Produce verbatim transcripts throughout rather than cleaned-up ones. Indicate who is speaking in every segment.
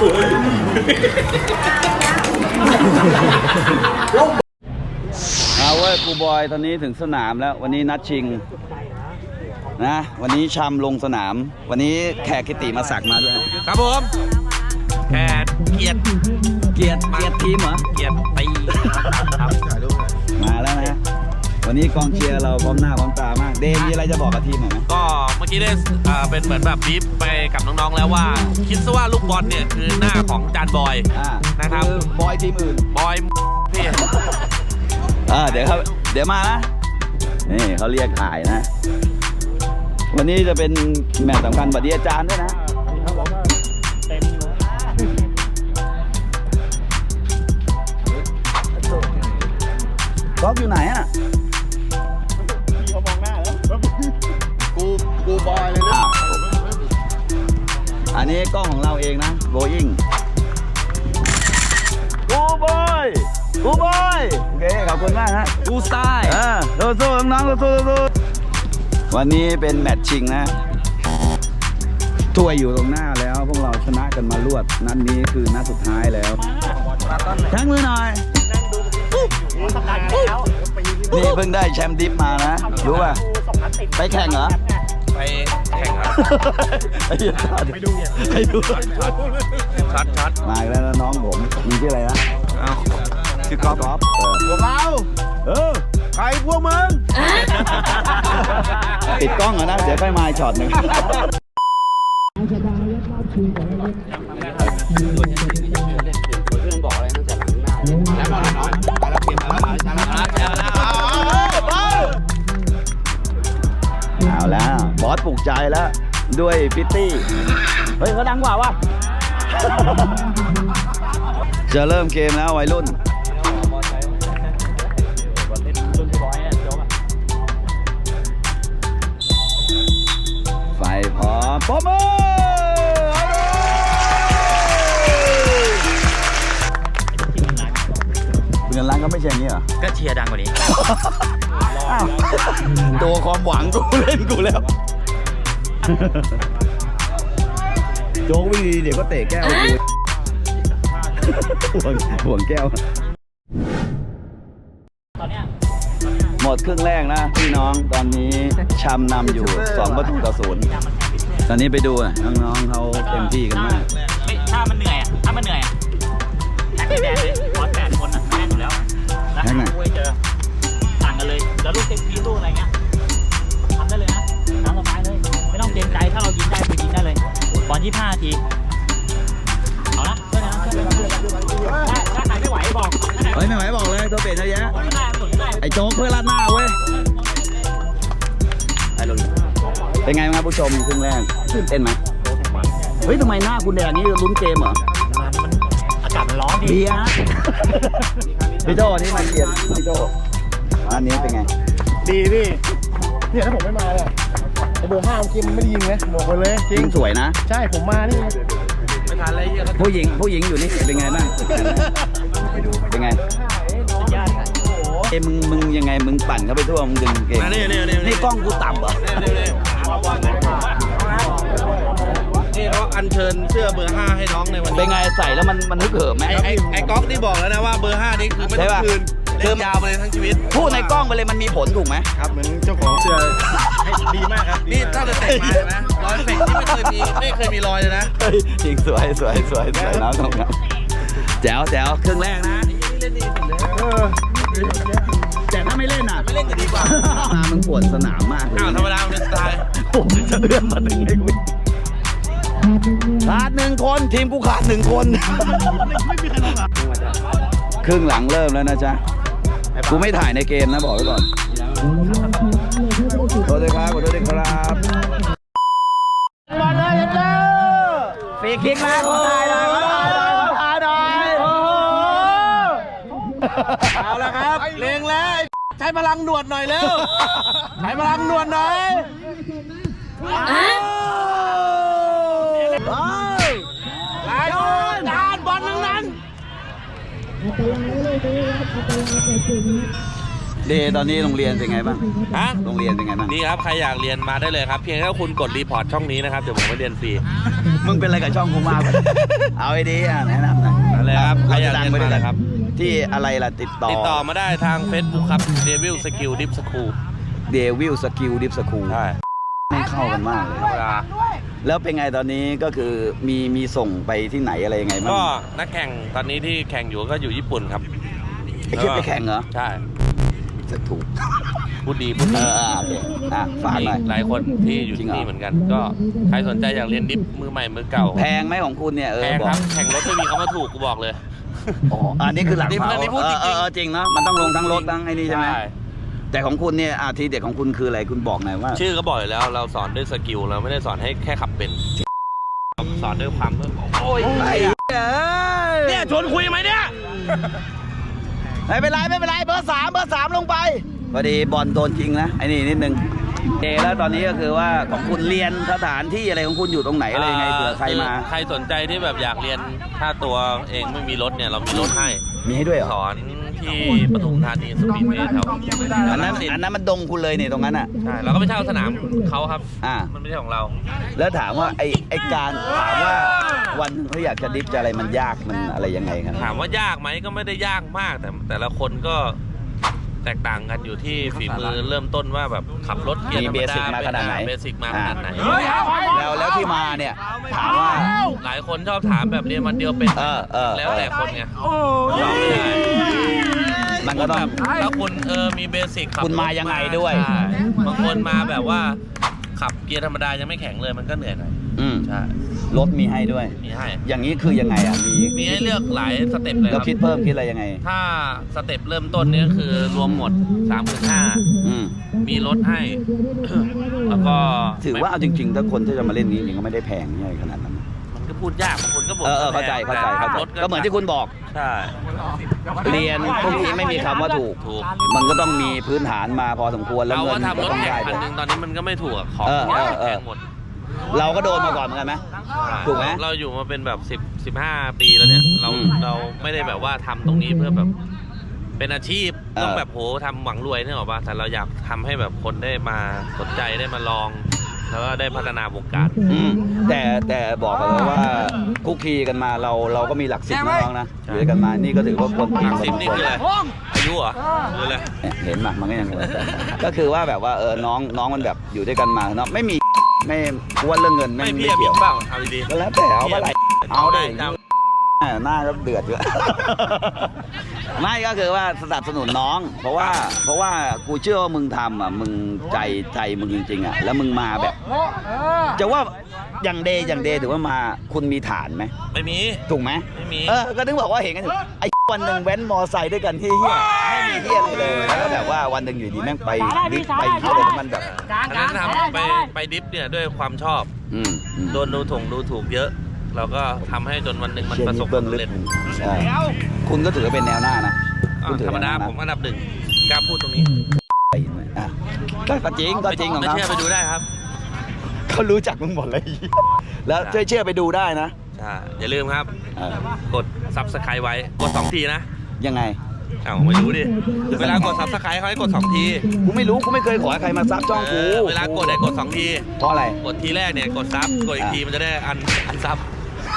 Speaker 1: เอาเว้ยครูบอยตอนนี้ถึงสนามแล้ววันนี้นัดชิงนะวันนี้ชำลงสนามวันนี้แขกกิติมาสักมาด้วย
Speaker 2: ครับผมแขกเกียรติ
Speaker 1: เกียรติเกียรติทีมเหรอ
Speaker 2: เกียรติตีครับ
Speaker 1: มาแล้วนะวันนี้กองเชียร์เราพร้อมหน้าพร้อมตามากเดมมีอะไรจะบอกกับทีมหน่อยไหม
Speaker 2: ก็เมื่อกี้ได้เป็นเหมือนแบบบีฟไปกับน้องๆแล้วว่าคิดซะว่าลูกบอลเนี่ยคือหน้าของจานบอยนะครับ
Speaker 1: บอยทีมอื่น
Speaker 2: บอยพี่
Speaker 1: อ่าเดี๋ยวครับเดี๋ยวมานะนี่เขาเรียกถ่ายนะวันนี้จะเป็นแมตช์สำคัญบัดดี้อาจารย์ด้วยนะก๊อฟอยู่ไหนอ่ะพี่เขามองหน้าแล้วกูกูบอยเลยนะอันนี้กล้องของเราเองนะโบอิงกูบอยกูบอยโอเคขอบคุณมากฮะ
Speaker 2: กูสไตล์
Speaker 1: อ่าสู้ๆน้องๆสู้ๆวันนี้เป็นแมตช์ชิงนะถ้วยอยู่ตรงหน้าแล้วพวกเราชนะกันมารวดนัดนี้คือนัดสุดท้ายแล้วทั้งมือหน่อยนี่เพิ่งได้แชมป์ดิฟมานะรู้ป่ะไปแข่งเหรอ
Speaker 2: ไปแข่งครับ
Speaker 1: ไปดูไปดูไปดู
Speaker 2: ชัดชัด
Speaker 1: มาแล้วน้องผมมีชื่ออะไรนะชื่อกอล์ฟกอล์ฟพวกเราเออใครพวกมึงติดกล้องเหรอนะเดี๋ยวค่อยมาช็อตหนึ่งเอาแล้วบอสปลุกใจแล้วด้วยพิตตี้เฮ้ยเขาดังกว่าวะจะเริ่มเกมแล้ววัยรุ่นไฟพร้อมปมมือเงินล้านก็ไม่ใช่อย่างนี้เหรอ
Speaker 2: ก็เชียร์ดังกว่านี้
Speaker 1: ตัวความหวังกูเล่นกูแล้วโจ๊กวิ่งดีเดี๋ยวก็เตะแก้วกูห่วงห่วงแก้วหมดครึ่งแรกนะพี่น้องตอนนี้ชำนำอยู่สองประตูต่อศูนย์ตอนนี้ไปดูน้องๆเขาเต็มที่กันมาก
Speaker 2: ถ้ามันเหนื่อยอ่ะถ้ามันเหนื่อยแท็กแดงเลยบอสแปดคนอ่ะแม่งอยู่แล้วนะคุยเจอต่างกันเลยแล้วลูกเต็มที่ลูกอะไรเงี้ยทำได้เลยนะตามสบายเลยไม่ต้องเกรงใจถ้าเรายิงได้คือยิงได้เลยบอลยี่สิบห้านาทีเอาละช่วยนะช่วยนะถ้าใครไม่ไหวบอก
Speaker 1: เฮ้ยไม่ไหวบอกเลยตัวเปลี่ยนเยอะแยะไอ้โจ๊กเพื่อลาดหน้าเว้ยเป็นไงบ้างครับผู้ชมครึ่งแรกตื่นเต้นไหมเฮ้ยทำไมหน้าคุณแดงนี่ลุ้นเกมเหรอ
Speaker 2: อากาศมันร้อนดี
Speaker 1: เบียร์พี่โจ้นี่มาเกียรติพี่โจ้อันนี้เป็นไง
Speaker 3: ดีพี่เนี่ยถ้าผมไม่มาเนี่ยไอเบอร์ห้าเมื่อกี้มันไม่ได้ยิงนะบอกไปเลยจริง
Speaker 1: สวยนะ
Speaker 3: ใช่ผมมานี่
Speaker 2: ไม่ทันอะไรเยอะ
Speaker 1: ผู้หญิงผู้หญิงอยู่นี่เป็นไงบ้างเป็นไงเอ้มึงมึงยังไงมึงปั่นเข้าไปทั่วมึงดึงเก่ง
Speaker 2: นี่นี่นี่
Speaker 1: นี่กล้องกูต่ำเหรอ
Speaker 2: นี่เขาอัญเชิญเสื้อเบอร์ห้าให้น้องในวันนี้
Speaker 1: เป็นไงใส่แล้วมันมันฮึกเหิมไหม
Speaker 2: ไอ้ไอ้ก๊อกที่บอกแล้วนะว่าเบอร์ห้านี่คือไม่ต้องคืนเล่นยาวไปเลยทั้งชีวิต
Speaker 1: พูดในกล้องไปเลยมันมีผลถูกไหม
Speaker 3: ครับเหมือนเจ้าของเสื้อดีมากครับ
Speaker 2: นี่ถ้าจะเตะมานะรอยเฟกที่ไม่เคยมีไม่เคยมีรอยเลยนะ
Speaker 1: จริงสวยสวยสวยสวยแล้วตรงนั้นแจ๋วแจ๋วครึ่งแรกนะ
Speaker 2: เล่นดีสุดเลย
Speaker 1: แต่ถ้าไม่เล่นอ่ะ
Speaker 2: ไม่เล่นจะดีกว่า
Speaker 1: มามึงปวดสนามมากเลย
Speaker 2: อ้าวธรรมดาเป็นสไตล์
Speaker 1: ผมจะเลื่อนมาถึงไอ้กูขาดหนึ่งคนทีมกูขาดหนึ่งคนครึ่งหลังเริ่มแล้วนะจ๊ะกูไม่ถ่ายในเกมนะบอกไว้ก่อนขอโทษด้วยครับขอโทษด้วยครับบอลเลยเจ้าฟรีคิกมาขอถ่ายหน่อยขอถ่ายหน่อยขอถ่ายหน่อย
Speaker 2: เอาละครับเลงแล้วใช้พลังหนวดหน่อยเร็วใช้พลังหนวดหน่อยลายบอลจานบอลทั้งนั้น
Speaker 1: เดย์ตอนนี้โรงเรียนเป็นไงบ้าง
Speaker 4: ฮะ
Speaker 1: โรงเรียนเป็นไงบ้าง
Speaker 4: นี่ครับใครอยากเรียนมาได้เลยครับเพียงแค่คุณกดรีพอร์ตช่องนี้นะครับเดี๋ยวผมไปเรียนฟรี
Speaker 1: มึงเป็นอะไรกับช่องกูมาก เอาไอ้ดีอ่ะแนะนำหน่อย
Speaker 4: อะไรครับใครอยาก
Speaker 1: ดั
Speaker 4: เรียน
Speaker 1: ไปด้
Speaker 4: มา
Speaker 1: วย
Speaker 4: เล
Speaker 1: กัน
Speaker 4: ยครับ
Speaker 1: ที่อะไรล่ะติดต่อ
Speaker 4: ติดต่อมาได้ทาง Facebook ครับ Devil Skill Dip School
Speaker 1: เดวิลสกิลดิฟสคูล
Speaker 4: ใช่
Speaker 1: ไม่เข้ากันมากเลย
Speaker 4: เวลา
Speaker 1: แล้วเป็นไงตอนนี้ก็คือมีมีส่งไปที่ไหนอะไรยังไงบ้าง
Speaker 4: ก็นักแข่งตอนนี้ที่แข่งอยู่ก็อยู่ญี่ปุ่นครับ
Speaker 1: ไอ้คิดไปแข่งเหรอ
Speaker 4: ใช่
Speaker 1: จะถูก
Speaker 4: พูดดีพูด
Speaker 1: เอ
Speaker 4: ดี
Speaker 1: ออ่ะโอเคอ่ะฝาก
Speaker 4: มี
Speaker 1: หน่อย
Speaker 4: หลายคนที่อยู่
Speaker 1: จริ
Speaker 4: ที่
Speaker 1: งเหรอ
Speaker 4: นี่เหมือนกัน ก็ใครสนใจอยากเรียนดิฟมือใหม่มือเก่า
Speaker 1: แพงไหมของคุณเนี่ยเออ
Speaker 4: แพง
Speaker 1: บอ
Speaker 4: ค
Speaker 1: ก
Speaker 4: รับแข่งรถไม่มีคำว่าถูกกูบอกเลย
Speaker 1: อ๋ออันนี้คือหลัก
Speaker 4: นี่
Speaker 1: เมา
Speaker 4: อันนี้พูด
Speaker 1: เอ
Speaker 4: จริ
Speaker 1: อง เออเออจริงเนาะมันต้องลงทั้งรถทั้งไอ้นี่ใช่ไหมแต่ของคุณเนี่ยอาทีเด็ดของคุณคืออะไรคุณบอกหน่อยว่า
Speaker 4: ชื่อก็บอกอยู่แล้วเราสอนด้วยสกิลเราไม่ได้สอนให้แค่ขับเป็นสอนด้วยความโอ้ย
Speaker 1: ไอ้
Speaker 4: เนี่ยชวนคุยไหมเนี่ย
Speaker 1: ไม่เป็นไรไม่เป็นไรเบอร์สามเบอร์สามลงไปพอดีบอลโดนจริงนะไอ้นี่นิดนึงเอแล้วตอนนี้ก็คือว่าของคุณเรียนสถานที่อะไรของคุณอยู่ตรงไหนอะไรยังไงเผื่อใครมา
Speaker 4: ใครสนใจที่แบบอยากเรียนถ้าตัวเองไม่มีรถเนี่ยเรามีรถให้
Speaker 1: มีให้ด้วยเหรอ
Speaker 4: สอนที่ปทุมธานีสปีดเวย์แถว
Speaker 1: อันนั้นอันนั้นมันดงคุณเลยนี่ตรงนั้นอ่ะ
Speaker 4: ใช่เราก็ไปเช่าสนามเขาครับ
Speaker 1: อ่า
Speaker 4: มันไม่ใช่ของเรา
Speaker 1: แล้วถามว่าไอ้ไอ้การถามว่าวันหนึ่งเขาอยากจะดิฟจะอะไรมันยากมันอะไรยังไงครับ
Speaker 4: ถามว่ายากไหมก็ไม่ได้ยากมากแต่แต่ละคนก็แตกต่างกันอยู่ที่ฝีมือเริ่มต้นว่าแบบขับรถเกียร์ธรรมดา
Speaker 1: มีเบสิกมาขนาดไหน
Speaker 4: เบสิกมาขนาดไหน
Speaker 1: แล้วแล้วที่มาเนี่ยถามว่า
Speaker 4: หลายคนชอบถามแบบเรียนวันเดียวเป็น
Speaker 1: เออเออ
Speaker 4: แล้วแต่คนไงตอบไม่ได้
Speaker 1: มันก็ต้อง
Speaker 4: แบบถ้าคุณเออมีเบสิกขับ
Speaker 1: คุณมายังไงด้วย
Speaker 4: ใช่บางคนมาแบบว่าขับเกียร์ธรรมดายังไม่แข็งเลยมันก็เหนื่อยหน่อย
Speaker 1: อืม
Speaker 4: ใช่
Speaker 1: รถมีให้ด้วย
Speaker 4: มีให้
Speaker 1: อย่างนี้คือยังไงอ่ะมี
Speaker 4: มีให้เลือกหลายสเต็ปเลยค
Speaker 1: ก็
Speaker 4: รับ
Speaker 1: คิดเพิ่มคิดอะไรยังไง
Speaker 4: ถ้าสเต็ปเริ่มต้นเนี้คือรวมหมด สามหมื่นห้าพัน
Speaker 1: อืม
Speaker 4: มีรถให้ แล้วก็
Speaker 1: ถือว่าเอาจริงๆถ้าคนที่จะมาเล่นนี้จริงๆก็ไม่ได้แพงใหญ่ขนาดนั้น
Speaker 4: มันก็พูดยากบางคนก็บอก
Speaker 1: เออเออเข้าใจเข้าใจเข้าใจ
Speaker 4: รถ
Speaker 1: ก็เหมือนที่คุณบอก
Speaker 4: ใช่
Speaker 1: เรียนพวกนี้ไม่มีคำว่าถูก
Speaker 4: ถูก
Speaker 1: มันก็ต้องมีพื้นฐานมาพอสมควรแล้ว
Speaker 4: เรา
Speaker 1: เงิ
Speaker 4: ก็
Speaker 1: น
Speaker 4: ทำ
Speaker 1: ก็
Speaker 4: รถ
Speaker 1: ต้อง
Speaker 4: แข่ง
Speaker 1: ได้
Speaker 4: คัน
Speaker 1: ด้วย
Speaker 4: หนึ่งตอนนี้มันก็ไม่ถูกอะของ
Speaker 1: เออ
Speaker 4: เยอะ
Speaker 1: เออเออ
Speaker 4: แพงหมด
Speaker 1: เราก็โดนมาก่อนเหมือนกันไหม ถูกไหม
Speaker 4: เราอยู่มาเป็นแบบสิบสิบห้าปีแล้วเนี่ย เรา
Speaker 1: อืม
Speaker 4: เราไม่ได้แบบว่าทำตรงนี้เพื่อแบบ เป็นอาชีพ
Speaker 1: เออ
Speaker 4: ต้องแบบโหทำหวังรวยเนี่ยหรอปะแต่เราอยากทำให้แบบคนได้มาสนใจได้มาลอง แล้วก็ได้พัฒนาวงการ
Speaker 1: อืมแต่แต่บอกกันเลยว่าคุกคีกันมาเราเราก็มีหลักสิบน้องนะอยู่ด้วยกันมานี่ก็ถือว่าคน
Speaker 4: หลักสิบนี่คืออะไรอายุเหรอหรืออะไร
Speaker 1: เห็นมามันก็ยังก็คือว่าแบบว่าเออน้องน้องมันแบบอยู่ด้วยกันมาเนาะไม่มีไม่กวนเรื่องเงิน
Speaker 4: ไม่
Speaker 1: ไม่
Speaker 4: พี่
Speaker 1: ไม่
Speaker 4: อะมี
Speaker 1: เกี่ยว
Speaker 4: เปล่าเอาดี
Speaker 1: ก็แล้วแต่เอาเมื่อไหร่เอาได้
Speaker 4: เอา
Speaker 1: หน้าก็เดือดอยู่ ไม่ก็คือว่าสนับสนุนน้อง เพราะว่าเพราะว่ากูเชื่อว่ามึงทำอ่ะมึงใจใจมึงจริงๆอ่ะแล้วมึงมาแบบ จะว่าอย่างเดย์อย่างเดย์ถือว่ามาคุณมีฐานไหม
Speaker 4: ไม่มี
Speaker 1: ถูกไหม
Speaker 4: ไม่มี
Speaker 1: เออก็ถึงบอกว่าเห็นกันอยู่ไอ้วันหนึ่งแว้นมอไซค์ด้วยกันที่เฮียไม่มีเฮียอะไรเลยแล้วก็แบบว่าวันหนึ่งอยู่ดีแม่งไปดิฟไปเฮียอะไรมันแบบ
Speaker 4: อันนั้นทำไปไปดิฟเนี่ยด้วยความชอบ
Speaker 1: อืมอืม
Speaker 4: โดนดูถูกดูถูกเยอะ เราก็ทำให้จนวันหนึ่งมัน
Speaker 1: เชี่ย
Speaker 4: ประส
Speaker 1: นี่
Speaker 4: บค
Speaker 1: เบื้
Speaker 4: วา
Speaker 1: อ
Speaker 4: ม
Speaker 1: งลึ
Speaker 4: สำ
Speaker 1: ก
Speaker 4: เร็จ
Speaker 1: ใช่คุณก็ถือว่าเป็นแนวหน้านะ
Speaker 4: อ่ะ
Speaker 1: คุณถือ
Speaker 4: ธรรมดา
Speaker 1: เป็นแนวหน้
Speaker 4: ผมอันดับหนึ่งกล้าพูดตรงนี้
Speaker 1: อ่ะก็จริงก็จริงของ
Speaker 4: ไม่
Speaker 1: เขา
Speaker 4: เชื่อไปดูได้ครับ
Speaker 1: เขารู้จักมึงหมดเลย แล้วช่วยเชื่อไปดูได้นะ
Speaker 4: ใช่อย่าลืมครับ
Speaker 1: เออก
Speaker 4: ดซับสไครต์ไว้กดสองทีนะ
Speaker 1: ยังไง
Speaker 4: อ้าวไม่รู้ดิเวลากดซับสไครต์เขาให้กดสองที
Speaker 1: กูไม่รู้กูไม่เคยขอให้ใครมาซับช่องกู
Speaker 4: เออเวลากดให้กดสองที
Speaker 1: เพราะอะไร
Speaker 4: กดทีแรกเนี่ยกดซับกดอีกทีมันจะได้อันอันซับ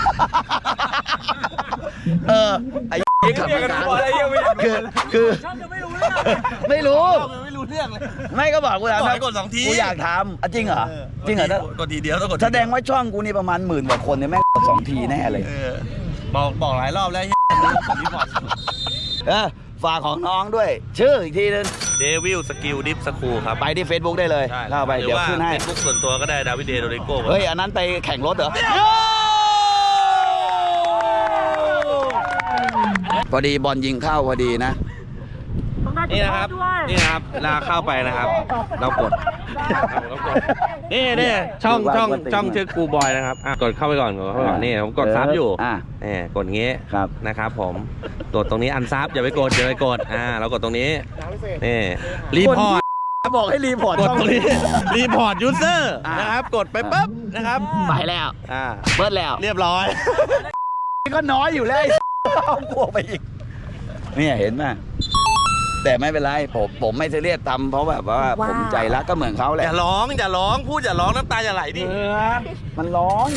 Speaker 1: เออไอ้นี่ขับมาการคือคือไม่รู้
Speaker 4: ไม่รู้เรื่องเลย
Speaker 1: ไม่ก็บอกกูถาม
Speaker 4: บอกให้กดสองที
Speaker 1: กูอยากทำอ่ะจริงเหรอจริงเหรอถ้าก
Speaker 4: ดทีเดียวต้องกด
Speaker 1: แสดงว่าช่องกูนี่ประมาณหมื่นกว่าคนเนี่ยแม่งกดสองทีแน่เลย
Speaker 4: เออบอกบอกหลายรอบแล้วกดรีพอร์ต
Speaker 1: เออฝากของน้องด้วย ชื่ออีกทีนึง
Speaker 4: เดวิลสกิลดิฟสคูลครับ
Speaker 1: ไปที่ Facebook ได้เลยเข้าไป
Speaker 4: หรือ
Speaker 1: เดี๋ยว
Speaker 4: ว่า
Speaker 1: ขึ้นให้
Speaker 4: เฟซบุ๊กส่วนตัวก็ได้ดาวิดเดโดริโก้
Speaker 1: เฮ้ย อันนั้นไปแข่งรถเหรอ พอดีบอลยิงเข้าพอดีนะ
Speaker 4: นี่นะครับนี่นะครับเวลาเข้าไปนะครับ เรากดเรากดนี่นี่ช่องช่องช่องชื่อครูบอยนะครับอ่ะกดเข้าไปก่อนกดเข้าไปก่อนนี่ผมกดซับอยู่
Speaker 1: อ่ะ
Speaker 4: นี่กดงี้
Speaker 1: ครับ
Speaker 4: นะครับผมกดตรงนี้อันซับอย่าไปกดอย่าไปกดอ่าเรากดตรงนี้นี่รีพอร์ต
Speaker 1: บอกให้รีพอร์ต
Speaker 4: กด
Speaker 1: ช่อง
Speaker 4: ตรงนี้รีพอร์ตยูเซอร์
Speaker 1: อ่ะ
Speaker 4: นะครับกดไปปุ๊บนะครับ
Speaker 1: ไปแล้ว
Speaker 4: อ่า
Speaker 1: เบิดแล้ว
Speaker 4: เรียบร้อย
Speaker 1: ก็น้อยอยู่แล้วไอ้ เอากลัวไปอีกเนี่ยเห็นไหมแต่ไม่เป็นไรผมผมไม่ซีเรียสทำเพราะแบบว่าผมใจรักก็เหมือนเขาแห
Speaker 4: อ
Speaker 1: ละ
Speaker 4: ย่าร้องอย่าร้องพูดอย่าร้องน้ำตาอย่าไหลดิ
Speaker 1: เออมันร้อน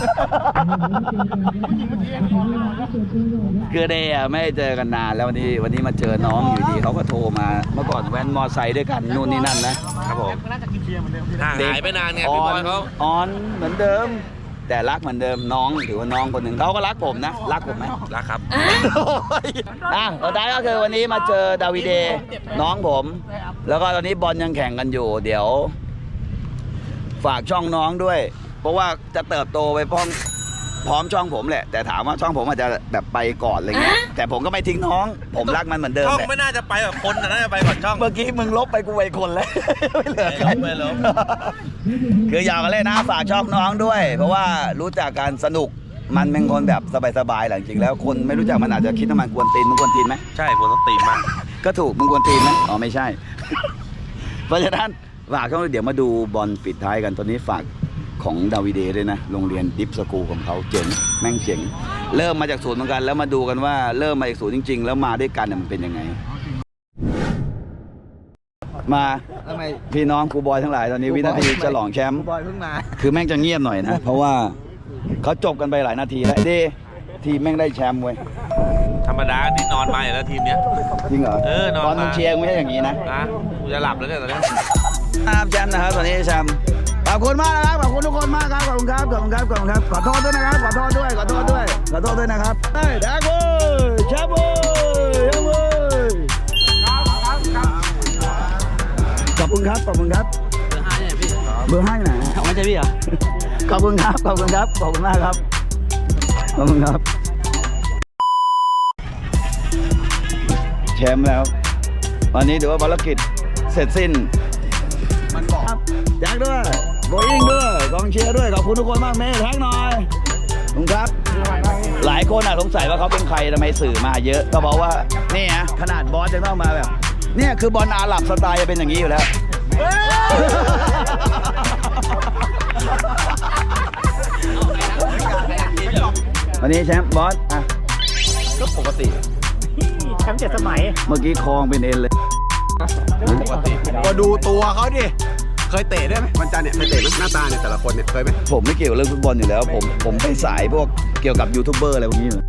Speaker 1: คือเดย์อะไม่ได้เจอกันนานแล้ววันนี้วันนี้มาเจอน้องอยู่ดีเขาก็โทรมาเมื่อก่อนแว้นมอไซค์ด้วยกันนู่นนี่นั่นนะครับ
Speaker 4: ผมห่างหายไปนานไง
Speaker 1: อ
Speaker 4: พี่บ
Speaker 1: อ
Speaker 4: อน ยเขา
Speaker 1: ออนเหมือนเดิม แต่รักเหมือนเดิมน้องถือว่าน้องคนหนึ่งเขาก็รักผมนะรักผมไหม
Speaker 4: รักครับ
Speaker 1: อ่ะสุดท้ายก็คือวันนี้มาเจอดาวิเดน้องผม แล้วก็ตอนนี้บอลยังแข่งกันอยู่ เดี๋ยว ฝากช่องน้องด้วย เพราะว่าจะเติบโตไปพร้อมพร้อมช่องผมแหละ แต่ถามว่าช่องผมอาจจะแบบไปก่อนอะไรเงี้ยแต่ผมก็ไม่ทิ้งน้อง ผมรักมันเหมือนเดิม
Speaker 4: ช่อง
Speaker 1: แหละ
Speaker 4: ไม่น่าจะไปแบบคนนะน่าจะไปก่อนช่อง
Speaker 1: เมื่อกี้มึงลบไปกูไปคนแล้ว ไม่เหลือใคร
Speaker 4: ไม่ลบ
Speaker 1: คืออยากเล่นนะฝากช่องน้องด้วย เพราะว่ารู้จักการสนุกมันเป็นคนแบบสบายๆหลังจริงแล้วคนไม่รู้จักมันอาจจะคิดว่ามันกวนตีนมึงกวนตีนไหม
Speaker 4: ใช่ผมต้องตีมาก
Speaker 1: ก็ถูกมึงกวนตีนไหมอ๋อไม่ใช่ เพราะฉะนั้นฝากช่องเดี๋ยวมาดูบอลปิดท้ายกันตอนนี้ฝากของดาวิเดด้วยนะโรงเรียนดิฟสกูลของเขาเจ๋งแม่งเจ๋งเริ่มมาจากศูนย์เหมือนกันแล้วมาดูกันว่าเริ่มมาจากศูนย์จริง ๆ แล้วมาด้วยกันเนี่ยมันเป็นยังไง มาพี่น้องครูบอยทั้งหลายตอนนี้วินาทีฉลองแชมป์
Speaker 3: บอยเพิ่งมา
Speaker 1: คือแม่งจะเงียบหน่อยนะ เพราะว่าเขาจบกันไปหลายนาทีแล้วเดทีมแม่งได้แชมป์เว้ย
Speaker 4: ธรรมดาที่นอนมาอยู่แล้วทีมเนี้ย
Speaker 1: จริงเหรอ
Speaker 4: เออนอน
Speaker 1: ตอนมึง
Speaker 4: มา
Speaker 1: เชียร์ไม่ใช่อย่างนี้นะ
Speaker 4: นะกูจะหลับแล้วเนี่ยตอนนี้
Speaker 1: ครับแชมป์นะครับตอนนี้แชมป์ขอบคุณมากนะครับขอบคุณทุกคนมากครับขอบคุณครับขอบคุณครับขอบคุณครับขอโทษด้วยนะครับขอโทษด้วยขอโทษด้วยขอโทษด้วยนะครับเฮ้ยแดกเว้ยแชมป์เว้ยแชมป์เว้ยขอบคุณครับขอบคุณครับเบอร์ห้าเนี่ยพี่เบอร์ห้าไหนไม่ใช่พี่เหรอขอบคุณครับขอบคุณครับขอบคุณมากครับขอบคุณครับแชมป์แล้ววันนี้ถือว่าภารกิจเสร็จสิ้นมันบอกแจ็คด้วยโบอิงด้วยกองเชียร์ด้วยขอบคุณทุกคนมากเมย์แท็กหน่อยขอบคุณครับหลายคนอ่ะสงสัยว่าเขาเป็นใครทำไมสื่อมาเยอะก็บอกว่านี่ฮะขนาดบอสจะต้องมาแบบเนี่ยคือบอลอาหรับสไตล์จะเป็นอย่างนี้อยู่แล้ววันนี้แชมป์บอสอ่ะก็ปกติ
Speaker 2: แชมป์เจ็ดสมัย
Speaker 1: เมื่อกี้คลองเป็นเอ็นเลยปกติ
Speaker 3: มาดูตัวเขาดิ เคยเตะด้วยไหมวันจันทร์เนี่ยเคยเตะไหมหน้าตาเนี่ยแต่ละคนเนี่ยเคยไหม
Speaker 1: ผมไม่เกี่ยวกับเรื่องฟุตบอลอยู่แล้ว ผมผมไปสายพวกเกี่ยวกับยูทูบเบอร์อะไรพวกนี้เลย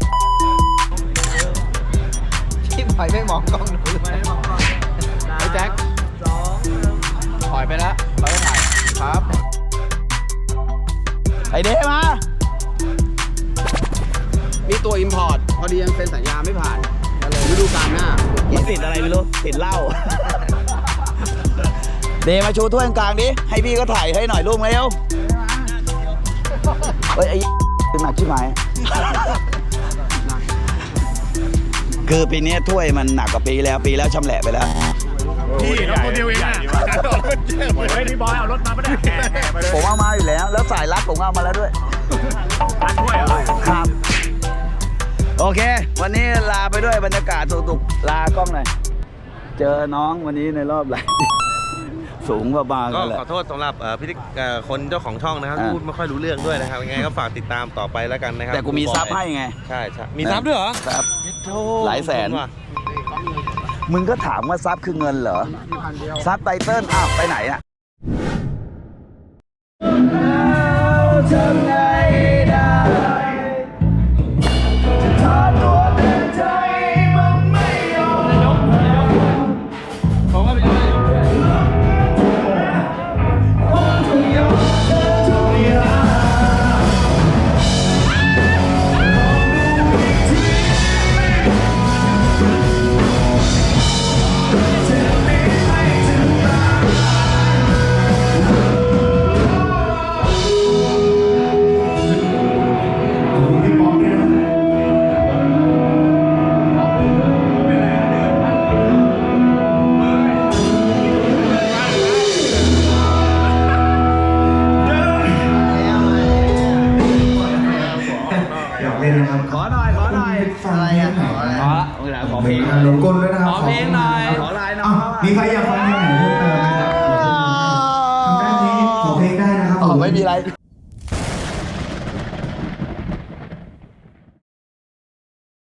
Speaker 3: ที่ปล่อยไม่มองกล้องหนูเลยไอ้แจ็คปล่อยไปแล้วเราไม่ถ่ายครับ
Speaker 1: ไอเดมา
Speaker 3: มีตัวอิมพอร์ตพอดียังเซ็นสัญญาไม่ผ่านฤดูกาลหน้า
Speaker 1: มันติดอะไรไม่รู้ติดเหล้า เดมาชูถ้วยกลางดิให้พี่ก็ถ่ายให้หน่อยลูกเร็วเฮ้ยไอ้เป็นหนักชิบหายคือปีนี้ถ้วยมันหนักกว่าปีแล้วปีแล้วชำแหละไปแล้ว
Speaker 2: พี่น้องคนเดียวเองอ่ะเฮ้ยพี่บอยเอารถมาปะเนี่ย
Speaker 1: ผมเอามาอยู่แล้ว แล้วสายรัดผมเอามาแล้วด้วย
Speaker 2: ร้านถ้วยเหรอ
Speaker 1: ครับ โอเค วันนี้ลาไปด้วยบรรยากาศสุกๆลากล้องหน่อย เจอน้องวันนี้ในรอบหลาย สูงกว่าบาง
Speaker 4: ก็
Speaker 1: กันแหละ
Speaker 4: ขอโทษสำหรับเอ่อพิธีเอ่อคนเจ้าของช่องนะครับ
Speaker 1: อ่า
Speaker 4: พูดไม่ค่อยรู้เรื่องด้วยนะครับยังไงก็ฝากติดตามต่อไปแล้วกันนะครับ
Speaker 1: แต่กูมีซับให้ไง
Speaker 4: ใช่ใช่มีซับด้วยเหรอ
Speaker 1: ซับ
Speaker 4: โธ่
Speaker 1: หลายแสน
Speaker 4: ขอบคุณว่ะ
Speaker 1: มึงก็ถามว่าซับคือเงินเหรอ ซับไตเติ้ลอ้าวไปไหนอ่ะทำไงได้ถ้าตัวเดินใจมันไม่ยอมผมว่าไปดูทุกอย่างทุกอย่าง
Speaker 5: อยากเล่นนะครับ
Speaker 1: ขอหน่อย ขอหน่อย
Speaker 5: อะไรอ่ะ
Speaker 1: ขอขอเพลง
Speaker 5: หลงกลด้วยนะครับ
Speaker 1: ขอเพลงหน่อย ขอลายน้อง
Speaker 5: มีใครอยากฟังเพลงไหนเพิ่มเติมไหมครับทางด้านนี้ขอเพลงได้นะครับ
Speaker 1: อ๋อไม่มีอะไร